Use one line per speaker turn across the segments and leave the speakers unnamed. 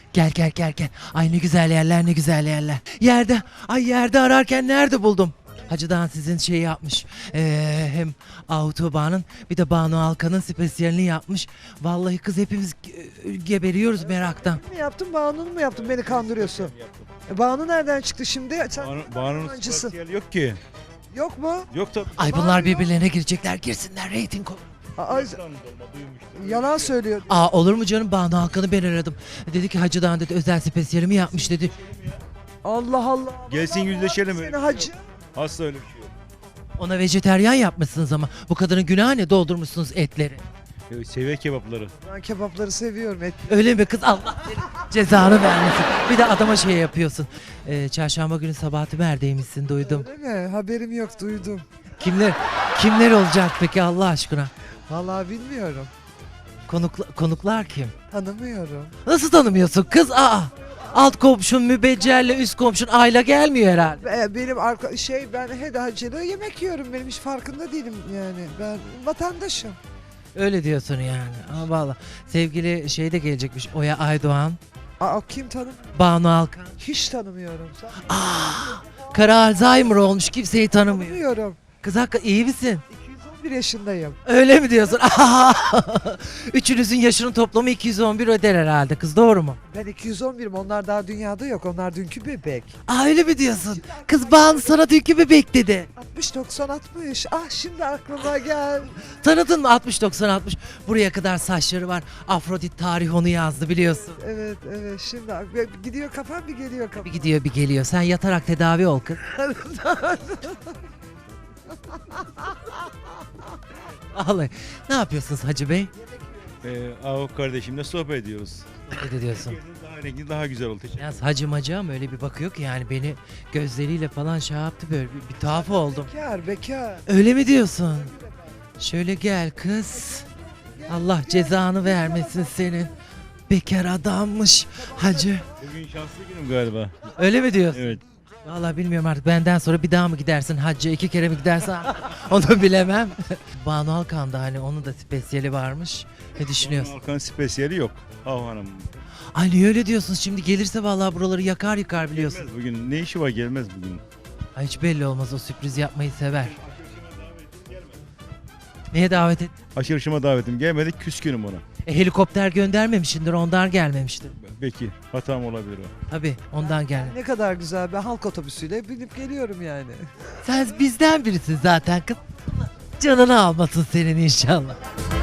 Gel gel gel gel. Ay ne güzel yerler, ne güzel yerler. Yerde ararken nerede buldum? Hacıdan sizin şeyi yapmış. Hem Autobahn'ın bir de Banu Alkan'ın spesiyalini yapmış. Vallahi kız hepimiz geberiyoruz meraktan.
Mi yaptın, Banu'nu mu yaptın? Beni kandırıyorsun. Banu nereden çıktı şimdi? Sen
Banu'nun
yabancısın.
spatiyeli yok ki.
Yok mu?
Yok tabii.
Ay bunlar birbirlerine girecekler, girsinler, reyting olur.
Aa, yalan söylüyor.
Aa olur mu canım, Banu Alkan'ı ben aradım. Dedi ki hacıdan dedi özel spesiyalimi yapmış dedi.
Allah Allah.
Gelsin yüzleşelim.
Seni hacı.
Asla öyle bir şey yok.
Ona vejeteryan yapmışsınız ama bu kadının günahı ne, doldurmuşsunuz etleri.
Seviye kebapları.
Ben kebapları seviyorum.
Öyle mi kız, Allah senin cezanı vermesin. Bir de adama şey yapıyorsun. Çarşamba günü Sabahat'i Mer'deymişsin duydum.
Öyle mi? Haberim yok, duydum.
Kimler olacak peki Allah aşkına?
Vallahi bilmiyorum.
Konuklar kim?
Tanımıyorum.
Nasıl tanımıyorsun kız? Aa! Alt komşun mübeccerle üst komşun Ayla gelmiyor herhalde.
Benim ben hacılığı yemek yiyorum. Benim hiç farkında değilim yani. Ben vatandaşım.
Öyle diyorsun yani. Ama valla sevgili şey de gelecekmiş, Oya Aydoğan,
Aa, kim tanım?
Banu Alkan.
Hiç tanımıyorum.
Kara Alzheimer olmuş, kimseyi tanımıyor.
Tanımıyorum.
Kız hakikaten iyi misin?
211 yaşındayım.
Öyle mi diyorsun? Üçünüzün yaşının toplamı 211 öder herhalde kız, doğru mu?
Ben 211'im. Onlar daha dünyada yok. Onlar dünkü bebek.
Aa öyle mi diyorsun? Kız Banu sana dünkü bebek dedi.
60 90 60. Ah şimdi aklıma gel.
Tanıdın mı 60-90-60? Buraya kadar saçları var. Afrodit tarih onu yazdı biliyorsun.
Evet şimdi gidiyor kafam, bir geliyor
Bir
kafam.
gidiyor bir geliyor. Sen yatarak tedavi ol kız. Vallahi. Ne yapıyorsunuz Hacı Bey?
Avuk kardeşimle sohbet ediyoruz.
Ne diyorsun?
Daha renkli, daha güzel oldu. Teşekkür
Yalnız Hacı Macı ama öyle bir bakıyor ki yani beni gözleriyle falan şey yaptı, böyle bir tuhaf oldum.
Bekar.
Öyle mi diyorsun? Şöyle gel kız. Allah cezanı vermesin senin. Bekar adammış Hacı.
Bugün şanslı günüm galiba.
Öyle mi diyorsun?
Evet.
Vallahi bilmiyorum artık, benden sonra bir daha mı gidersin hacca, 2 kere mi gidersin onu bilemem. Banu Alkan'da hani onun da spesiyeli varmış. Ne düşünüyorsun?
Balkan spesiyeli yok. Hav Hanım.
Ay niye öyle diyorsun, şimdi gelirse vallahi buraları yakar yıkar biliyorsun.
Gelmez bugün. Ne işi var, gelmez bugün.
Ay hiç belli olmaz, o sürpriz yapmayı sever. Neye davet et?
Açılışıma davetim gelmedi, küskünüm ona.
Helikopter göndermemişsindir, ondan gelmemiştir.
Belki hatam olabilir o.
Tabii ondan gel.
Ne kadar güzel, ben halk otobüsüyle binip geliyorum yani.
Sen bizden birisin zaten kız. Canını almasın senin inşallah.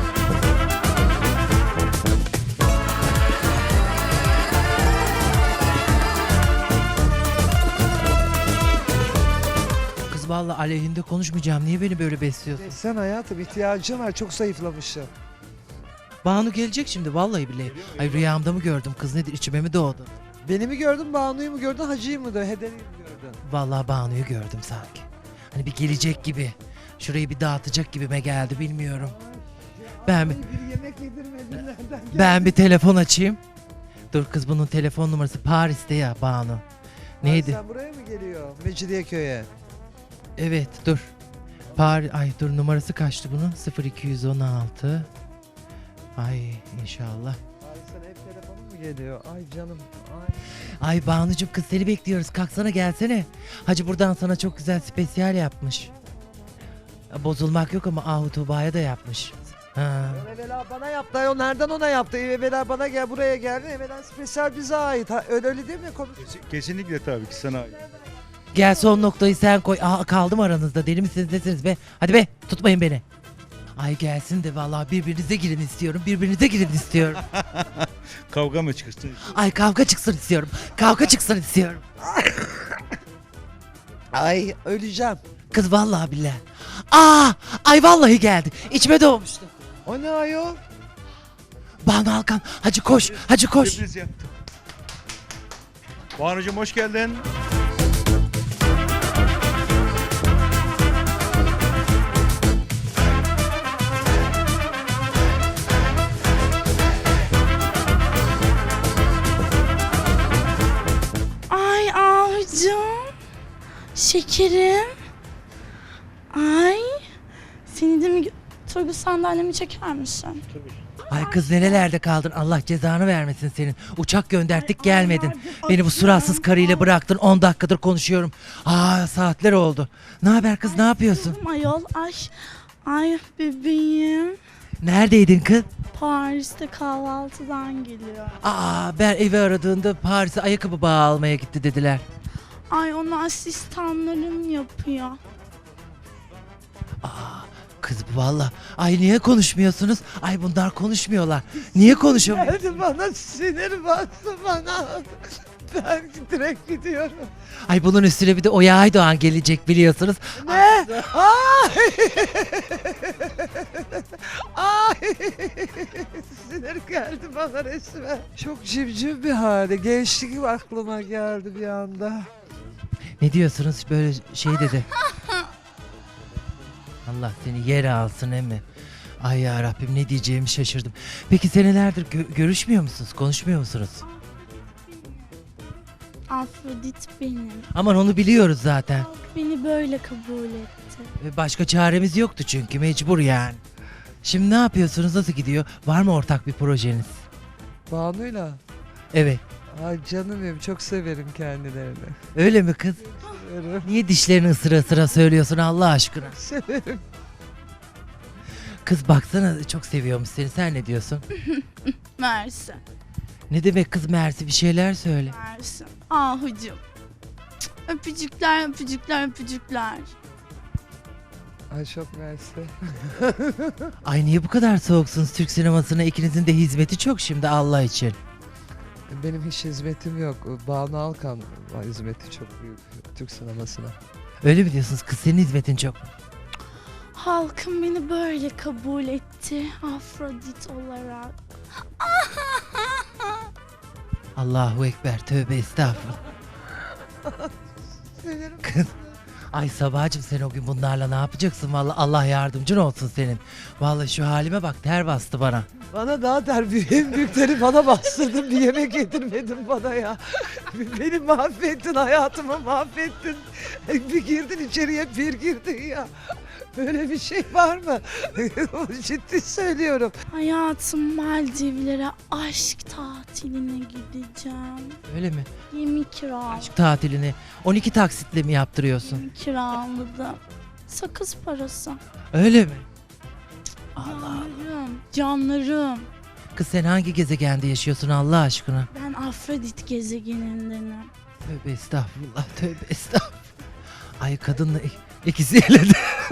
Kız vallahi aleyhinde konuşmayacağım. Niye beni böyle besliyorsun?
Sen hayatım, ihtiyacım var, çok zayıflamışım.
Banu gelecek şimdi vallahi billahi. Ay rüyamda mı gördüm kız, nedir, içime mi doğdu?
Beni mi gördün, Banu'yu mu gördün, Hacı'yı mı da Hederi'yi mi gördün?
Vallahi Banu'yu gördüm sanki. Hani bir gelecek gibi. Şurayı bir dağıtacak gibime geldi, bilmiyorum. Ben
Bir yemek yedirmedin, nereden geldi?
Ben bir telefon açayım. Dur kız, bunun telefon numarası Paris'te ya Banu. Neydi?
Sen buraya mı geliyor? Mecidiyeköy'e.
Evet dur. Ay dur, numarası kaçtı bunun? 0216. Ay inşallah.
Ay sana hep telefonun mu geliyor? Ay canım.
Ay Banucuğum kız, seni bekliyoruz. Kalksana gelsene. Hacı buradan sana çok güzel spesiyal yapmış. Bozulmak yok ama Ahu Tuğba'ya da yapmış. Ha.
Evvela bana yaptı. O nereden ona yaptı? Evvela bana gel, buraya geldi. Evvela spesyal bize ait. Öyle değil mi?
Kesinlikle tabii ki sana.
Gel son noktayı sen koy. Aa, kaldım aranızda. Deli misiniz nesiniz be? Hadi be, tutmayın beni. Ay gelsin de vallahi birbirinize girin istiyorum. Birbirinize girin istiyorum.
Kavga mı çıksın?
Ay kavga çıksın istiyorum. Kavga çıksın istiyorum.
Ay öleceğim.
Kız vallahi billahi. Ay vallahi geldi. İçime doğmuştu.
O ne ayol?
Banu Alkan, hacı koş. Hacı koş.
Sürpriz yaptım. Banucuğum hoş geldin.
Ay Ahucum, şekerim. Ay, seni de mi Turgut sandalyemi çeker misin?
Ay kız nerelerde kaldın? Allah cezanı vermesin senin. Uçak gönderttik gelmedin. Beni bu suratsız karıyla bıraktın. 10 dakikadır konuşuyorum. Saatler oldu. Ne haber kız, ne yapıyorsun?
Ayol ay bebeğim.
Neredeydin kız?
Paris'te kahvaltıdan geliyor.
Ben evi aradığında Paris'e ayakkabı bağı almaya gitti dediler.
Ay onu asistanlarım yapıyor.
Kız valla. Ay niye konuşmuyorsunuz? Ay bunlar konuşmuyorlar. Niye konuşamıyor?
Geldi bana, sinir bastı bana. Ben direkt gidiyorum.
Ay bunun üstüne bir de Oya Aydoğan gelecek biliyorsunuz.
Ne? Ay! Ay! Sinir geldi bana resmen. Çok civciv bir hali. Gençlik aklıma geldi bir anda.
Ne diyorsunuz böyle şey dedi. Allah seni yere alsın emmi. Ay ya Rabbim ne diyeceğimi şaşırdım. Peki senelerdir görüşmüyor musunuz? Konuşmuyor musunuz?
Afrodit benim.
Aman onu biliyoruz zaten.
Halk beni böyle kabul etti.
Başka çaremiz yoktu çünkü mecbur yani. Şimdi ne yapıyorsunuz? Nasıl gidiyor? Var mı ortak bir projeniz?
Banu'yla.
Evet.
Ay canım benim, çok severim kendilerini.
Öyle mi kız?
Severim.
Niye dişlerini ısıra ısıra söylüyorsun Allah aşkına?
Severim.
Kız baksana çok seviyormuş seni. Sen ne diyorsun?
Mersi.
Ne demek kız Mersi, bir şeyler söyle.
Mersi. Ahucum. Öpücükler, öpücükler, öpücükler.
Ay çok mersi.
Ay niye bu kadar soğuksunuz Türk sinemasına? İkinizin de hizmeti çok şimdi Allah için.
Benim hiç hizmetim yok. Banu Alkan hizmeti çok büyük Türk sinemasına.
Öyle mi diyorsunuz? Kız senin hizmetin çok.
Halkım beni böyle kabul etti. Afrodit olarak.
Allahu Ekber, tövbe estağfurullah.
Sinirim.
Kız. Ay Sabahcığım sen o gün bunlarla ne yapacaksın? Vallahi Allah yardımcın olsun senin. Vallahi şu halime bak, ter bastı bana.
Bana daha en büyükleri bana bastırdın, bir yemek yedirmedin bana ya. Beni mahvettin, hayatımı mahvettin. Bir girdin içeriye, bir girdin ya. Böyle bir şey var mı? Ciddi söylüyorum.
Hayatım Maldivlere aşk tatiline gideceğim.
Öyle mi?
Gemi kiraladım.
Aşk tatilini 12 taksitle mi yaptırıyorsun?
Gemi kiraladım. Sakız parası.
Öyle mi?
Canlarım, canlarım.
Kız sen hangi gezegende yaşıyorsun Allah aşkına?
Ben Afrodit gezegenindenim.
Tövbe estağfurullah, tövbe estağfurullah. Ay kadınla ikisi eledi.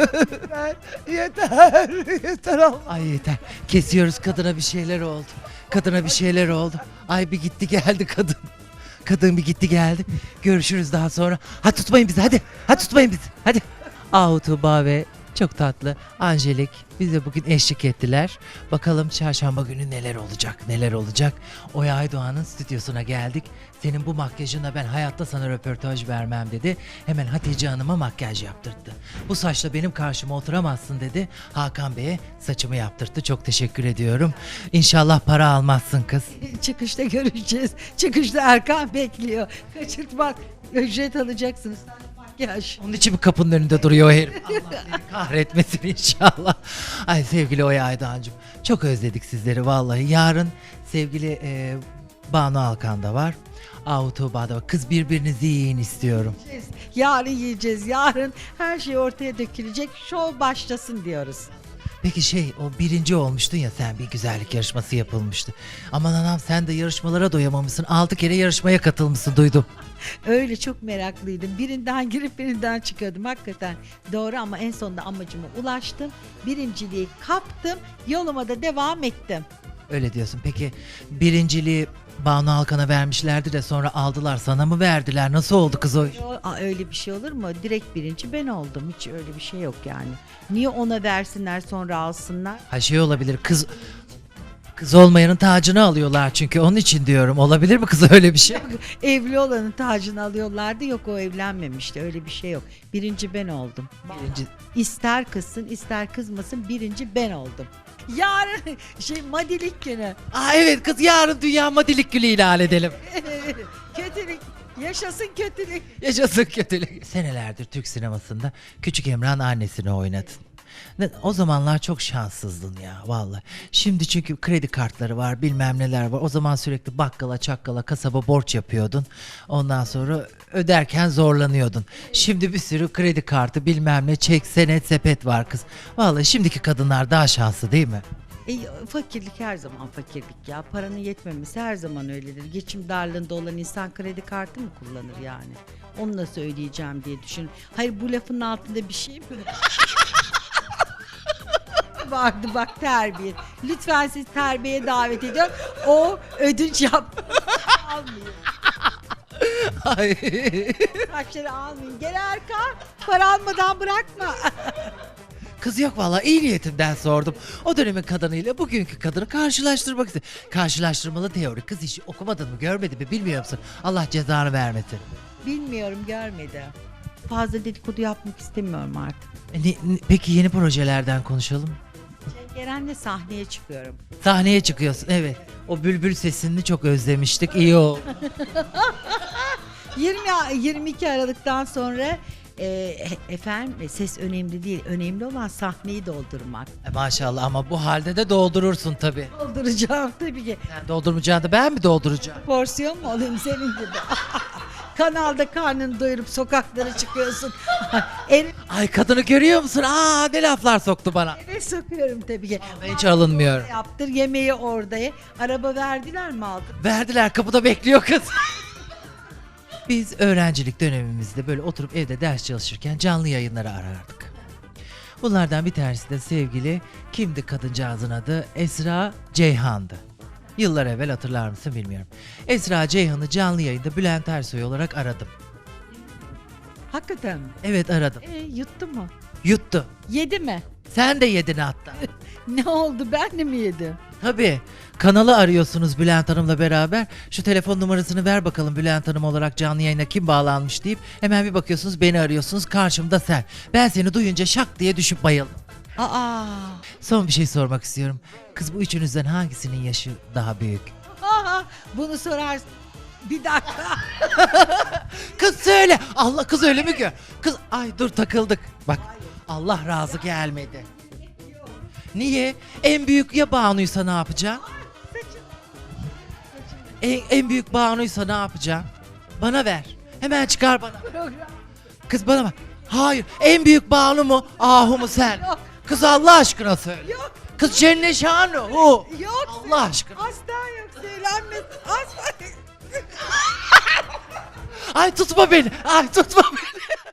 Yeter Allah.
Ay yeter. Kesiyoruz, kadına bir şeyler oldu. Kadına bir şeyler oldu. Ay bir gitti geldi kadın. Kadın bir gitti geldi. Görüşürüz daha sonra. Hadi tutmayın bizi hadi. Hadi tutmayın bizi. Hadi. Tuğba ve çok tatlı Angelik bize bugün eşlik ettiler. Bakalım çarşamba günü neler olacak, neler olacak. Oya Aydoğan'ın stüdyosuna geldik. Senin bu makyajına ben hayatta sana röportaj vermem dedi. Hemen Hatice Hanım'a makyaj yaptırttı. Bu saçla benim karşıma oturamazsın dedi. Hakan Bey'e saçımı yaptırttı. Çok teşekkür ediyorum. İnşallah para almazsın kız.
Çıkışta görüşeceğiz. Çıkışta Erkan bekliyor. Kaçırtmak. Ücret alacaksınız. Makyaj.
Onun için bir kapının önünde duruyor o herif. Allah seni kahretmesin inşallah. Ay sevgili Oya Aydoğan'cığım çok özledik sizleri vallahi. Yarın sevgili Banu Alkan da var. Tuğba da var. Kız birbirinizi yiyin istiyorum.
Yarın yiyeceğiz. Yarın her şey ortaya dökülecek. Şov başlasın diyoruz.
Peki o birinci olmuştun ya sen, bir güzellik yarışması yapılmıştı. Aman anam sen de yarışmalara doyamamışsın. 6 kere yarışmaya katılmışsın duydum.
Öyle çok meraklıydım. Birinden girip birinden çıkıyordum. Hakikaten doğru ama en sonunda amacıma ulaştım. Birinciliği kaptım. Yoluma da devam ettim.
Öyle diyorsun. Peki birinciliği Banu Alkan'a vermişlerdi de sonra aldılar, sana mı verdiler? Nasıl oldu kız o iş?
Öyle bir şey olur mu? Direkt birinci ben oldum. Hiç öyle bir şey yok yani. Niye ona versinler sonra alsınlar?
Ha olabilir, kız olmayanın tacını alıyorlar çünkü, onun için diyorum. Olabilir mi kız öyle bir şey?
Evli olanın tacını alıyorlardı. Yok, o evlenmemişti. Öyle bir şey yok. Birinci ben oldum.
Birinci.
İster kızsın ister kızmasın birinci ben oldum. Yarın madilik günü.
Evet kız, yarın Dünya Madilik Günü ilan edelim.
Kötülük. Yaşasın kötülük.
Yaşasın kötülük. Senelerdir Türk sinemasında Küçük Emrah'ın annesini oynadın. O zamanlar çok şanssızdın ya vallahi. Şimdi çünkü kredi kartları var, bilmem neler var. O zaman sürekli bakkala, çakkala, kasaba borç yapıyordun. Ondan sonra öderken zorlanıyordun. Şimdi bir sürü kredi kartı, bilmem ne, çek, senet, sepet var kız. Vallahi şimdiki kadınlar daha şanslı değil mi?
Fakirlik her zaman fakirlik ya. Paranın yetmemesi her zaman öyledir. Geçim darlığında olan insan kredi kartı mı kullanır yani? Onu nasıl ödeyeceğim diye düşün. Hayır, bu lafın altında bir şey mi? Vardı bak, terbiye. Lütfen siz terbiye davet ediyorum. O ödünç yap. Almıyor.
Ay.
Taşları almayın. Gel Erkan. Para almadan bırakma.
Kız yok vallahi, iyi niyetimden sordum. O dönemin kadınıyla bugünkü kadını karşılaştırmak istedim. Karşılaştırmalı teori. Kız hiç okumadın mı, görmedin mi, bilmiyor musun? Allah cezanı vermesin.
Bilmiyorum, görmedim. Fazla dedikodu yapmak istemiyorum artık.
Peki yeni projelerden konuşalım.
Ceren'le sahneye çıkıyorum.
Sahneye çıkıyorsun, evet. O bülbül sesini çok özlemiştik. İyi oldu.
22 Aralık'tan sonra efendim, ses önemli değil. Önemli olan sahneyi doldurmak.
Maşallah, ama bu halde de doldurursun tabii.
Dolduracağım tabii ki.
Sen doldurmayacaksın da ben mi dolduracağım?
Porsiyon mu olayım senin gibi? Kanalda karnını doyurup sokaklara çıkıyorsun.
Ay, kadını görüyor musun? Aa, ne laflar soktu bana.
Eve sokuyorum tabii ki.
Ben hiç alınmıyorum.
Yaptır, yemeği orada ye. Araba verdiler mi aldın?
Verdiler, kapıda bekliyor kız. Biz öğrencilik dönemimizde böyle oturup evde ders çalışırken canlı yayınları arardık. Bunlardan bir tanesi de sevgili, kimdi kadıncağızın adı? Esra Ceyhan'dı. Yıllar evvel, hatırlar mısın bilmiyorum. Esra Ceyhan'ı canlı yayında Bülent Ersoy olarak aradım.
Hakikaten mi?
Evet, aradım.
Yuttu mu?
Yuttu.
Yedi mi?
Sen de yedin hatta.
Ne oldu, ben de mi yedim?
Tabii. Kanalı arıyorsunuz Bülent Hanım'la beraber. Şu telefon numarasını ver bakalım, Bülent Hanım olarak canlı yayına kim bağlanmış deyip hemen bir bakıyorsunuz, beni arıyorsunuz, karşımda sen. Ben seni duyunca şak diye düşüp bayıldım.
Aa.
Son bir şey sormak istiyorum. Kız, bu üçünüzden hangisinin yaşı daha büyük?
Bunu sorarsın. Bir dakika.
Kız söyle. Allah, kız öyle mi gör? Kız, ay dur, takıldık. Bak, Allah razı gelmedi. Niye? En büyük ya Banu'ysa ne yapacaksın? En büyük Banu'ysa ne yapacaksın? Bana ver. Hemen çıkar bana. Kız bana bak. Hayır. En büyük Banu mu? Ahu mu sen?
Yok.
Kız, Allah aşkına söyle.
Yok.
Kız Cennet Şanı. Hu.
Yok.
Allah aşkına.
Asla yok, söylenmez. Asla.
Ay tutma beni. Ay tutma beni.